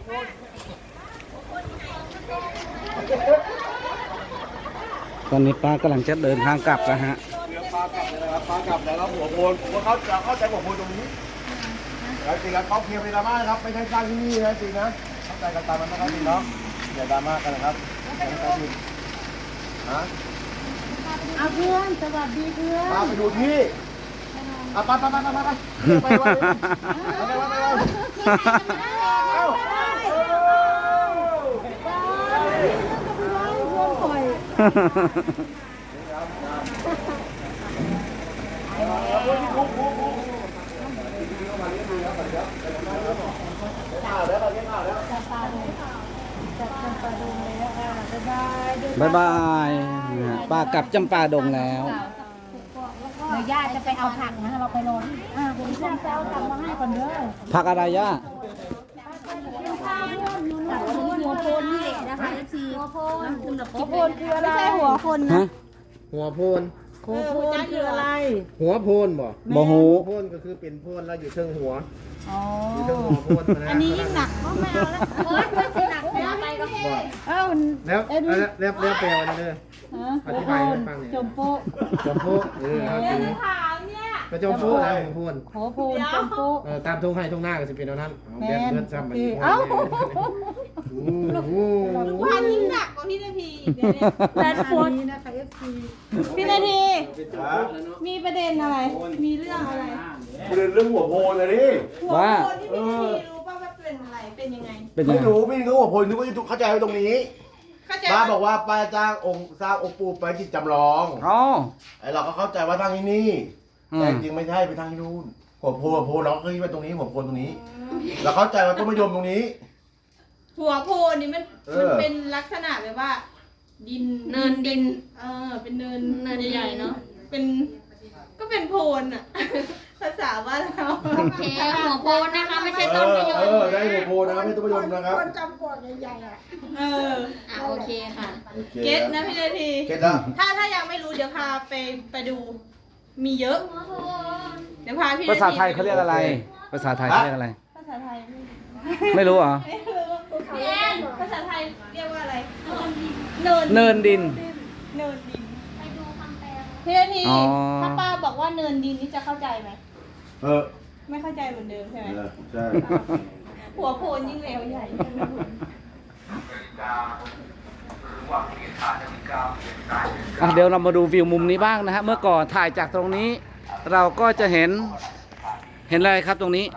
ตอนนี้ป้ากำลังจะเดินทางกลับนะฮะเรือปลากลับเลยนะครับปลากลับแล้วหัวโพนเขาจะเข้าใจหัวโพนตรงนี้แล้วจริงๆเขาเคลียร์ในดราม่านะครับไม่ใช่สร้างที่นี่นะจริงนะเข้าใจกันตามมันนะครับจริงเนาะอย่าดราม่ากันนะครับอย่าให้ใครผิดฮะเอาเพื่อนสวัสดีเพื่อนมาไปดูที่ไปไปเอ้าบ๊ายบายนะฮะป้ากลับจำปาดงแล้วเดี๋ยวย่าจะไปเอาผักนะเราไปรอคุณผู้ชมเอาผักมาให้ก่อนเด้อผักอะไรย่าหัวโพนนี่นะคะทีหัวโพนคืออะไรไม่ใช่หัวคนฮะหัวโพนหัวโพนคืออะไรหัวโพนบ่บ่หูโพนก็คือเป็นโพนแล้วอยู่เชิงหัวอ๋ออยู่เชิงหัวโพนนะอันนี้ยิ่งหนักเพราะไม่เอาแล้วโอ๊ยไม่หนักไม่เอาไปก็เอ้าแล้วแปลว่าเลยอธิบายให้ฟังเนี่ยจมโป๊ะจมโป๊ะครับก็จมโป๊ะแล้วหัวโพนหัวโพนจมโป๊ะตามทุ่งให้ทุ่งหน้าก็จะเป็นเอานั้นแม่นเพื่อนซ้ำมันเอ้าพันยิ่งหนักกว่าพี่นาทีอีกเนี่ยแฟนโฟนนะคะ FC พี่นาทีมีประเด็นอะไร มีเรื่องอะไรเรื่องหัวโพนเลยดิหัวว่าโพนที่พี่นาทีรู้ป่ะว่าเป็นอะไร เป็นยังไงเป็นยังไม่ไงรู้พี่เขาหัวโพนนึกว่าจะเข้าใจไว้ตรงนี้เข้าใจป้าบอกว่าป้าจ้างองค์สร้างองค์ปู่ไปจิตจำลองอ๋อไอเราก็เข้าใจว่าทางที่นี่อืมแต่จริงไม่ใช่ไปทางที่นู่นหัวโพนเราก็คิดว่าตรงนี้หัวโพนตรงนี้ เราเข้าใจว่าต้นมะยมตรงนี้หัวโพนนี่มันเออเป็นลักษณะแบบว่า ดินเนินดิน เป็นเนินใหญ่ๆเนาะเป็นก็เป็นโพนอะ ภาษาบ้านเราโอเคหัวโพนนะคะไม่ใช่ต้นมะยมได้หัวโพนนะครับไม่ต้นมะยมนะครับคนจำปวดใหญ่ๆอ่ะโอเคค่ะโอคเก็ตนะพี่นาทีเก็ตแล้วถ้ายังไม่รู้เดี๋ยวพาไปดู มีเยอะ เดี๋ยวพาพี่นทีภาษาไทยเขาเรียกอะไร ภาษาไทยเขาเรียกอะไรภาษาไทยไม่รู้เหรอพี่แอนภาษาไทยเรียกว่าอะไรเนินดินเนินดินพี่นาทีอ๋อถ้าป้าบอกว่าเนินดินนี่จะเข้าใจไหมเออไม่เข้าใจเหมือนเดิมใช่ไหมใช่หัวโพนยิ่งแล้วใหญ่เดี๋ยวเรามาดูวิวมุมนี้บ้างนะฮะ เมื่อก่อนถ่ายจากตรงนี้ เราก็จะเห็นอะไรครับตรงนี้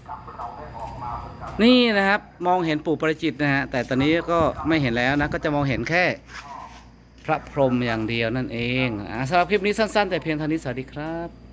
นี่นะครับ มองเห็นปู่ประจิตนะฮะ แต่ตอนนี้ก็ไม่เห็นแล้วนะ ก็จะมองเห็นแค่พระพรหมอย่างเดียวนั่นเองสำหรับคลิปนี้สั้นๆ แต่เพียงเท่านี้สวัสดีครับ